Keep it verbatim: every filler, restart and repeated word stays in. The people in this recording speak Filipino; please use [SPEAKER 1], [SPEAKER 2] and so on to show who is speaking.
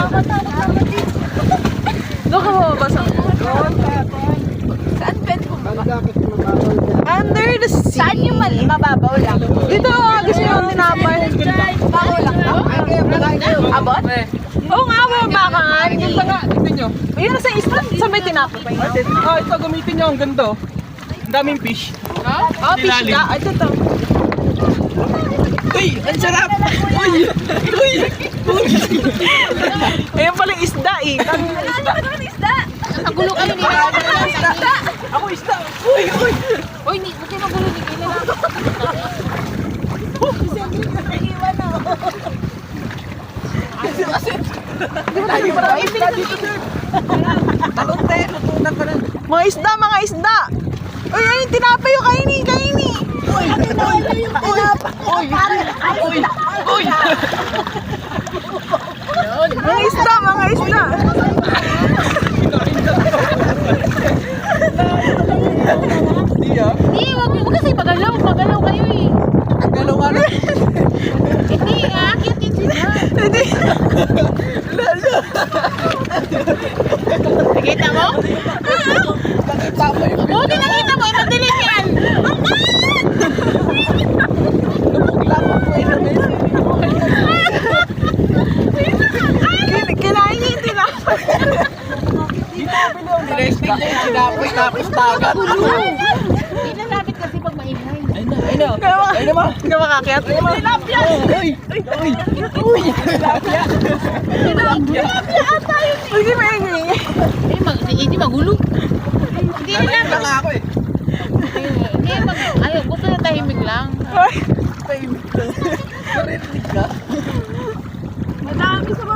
[SPEAKER 1] Doon ka mababasa. Saan pwede mo ba? Under the sea.
[SPEAKER 2] Saan yung mal- mababaw lang?
[SPEAKER 1] Dito, ah, gusto yung tinapay.
[SPEAKER 2] Babaw lang daw? Abot?
[SPEAKER 1] Oo nga, mababakan.
[SPEAKER 3] Ganda nga, tignan nyo.
[SPEAKER 1] Ayun, sa isla, sa may tinapay.
[SPEAKER 3] Ah, ito gamitin nyo, ang ganda. Oh. Ang daming fish.
[SPEAKER 1] Oh, fish
[SPEAKER 3] Ilalim.
[SPEAKER 1] ka. Ito to.
[SPEAKER 3] Uy, ang sarap! Uy! Uy! Uy!
[SPEAKER 1] Ayun pala yung isda eh.
[SPEAKER 2] Ano naman isda? Nagulo kayo ni isda.
[SPEAKER 3] Ako isda! Uy! Uy!
[SPEAKER 2] Uy, hindi mo kayo magulo ni Kayla lang.
[SPEAKER 3] Lagi pa rin isda dito, sir! Talon tayo, lutunan ka na.
[SPEAKER 1] Mga isda, mga isda. Uy, ayun, tinapay yung kaini, kaini.
[SPEAKER 3] Uy! Uy! Uy! Uy! Uy!
[SPEAKER 1] Mga isda, mga isda.
[SPEAKER 3] Di ah.
[SPEAKER 2] Hindi, wag mo kasi pagalaw. Pagalaw kayo eh.
[SPEAKER 3] Ang galaw nga na.
[SPEAKER 2] Hindi, aakyat din sila.
[SPEAKER 1] Hindi.
[SPEAKER 2] Nakita mo?
[SPEAKER 3] Nakita mo yung
[SPEAKER 2] Buti nakita mo, madilim yan.
[SPEAKER 3] labo ko eh.
[SPEAKER 1] Kin- Kinain niya yung tinapay.
[SPEAKER 3] Sinesting niya yung sinapos tapos tagat.
[SPEAKER 2] Hindi nalapit kasi pag maingay.
[SPEAKER 3] Ayun na, ayun na.
[SPEAKER 1] Kaya maka-
[SPEAKER 3] Ayun naman.
[SPEAKER 1] Kaya makakit.
[SPEAKER 3] Tilapia! Uy! Uy! Uy! Tilapia! Tilapia!
[SPEAKER 1] Uy, di maingay.
[SPEAKER 2] Eh, mag, hindi magulo. Hindi
[SPEAKER 3] Ayun
[SPEAKER 2] nalapit.
[SPEAKER 3] lang ako eh.
[SPEAKER 2] Hindi, mag, ayaw, gusto na tahimik lang.
[SPEAKER 1] Uy.
[SPEAKER 3] Tahimik lang. Narinig ka?
[SPEAKER 1] Madami sa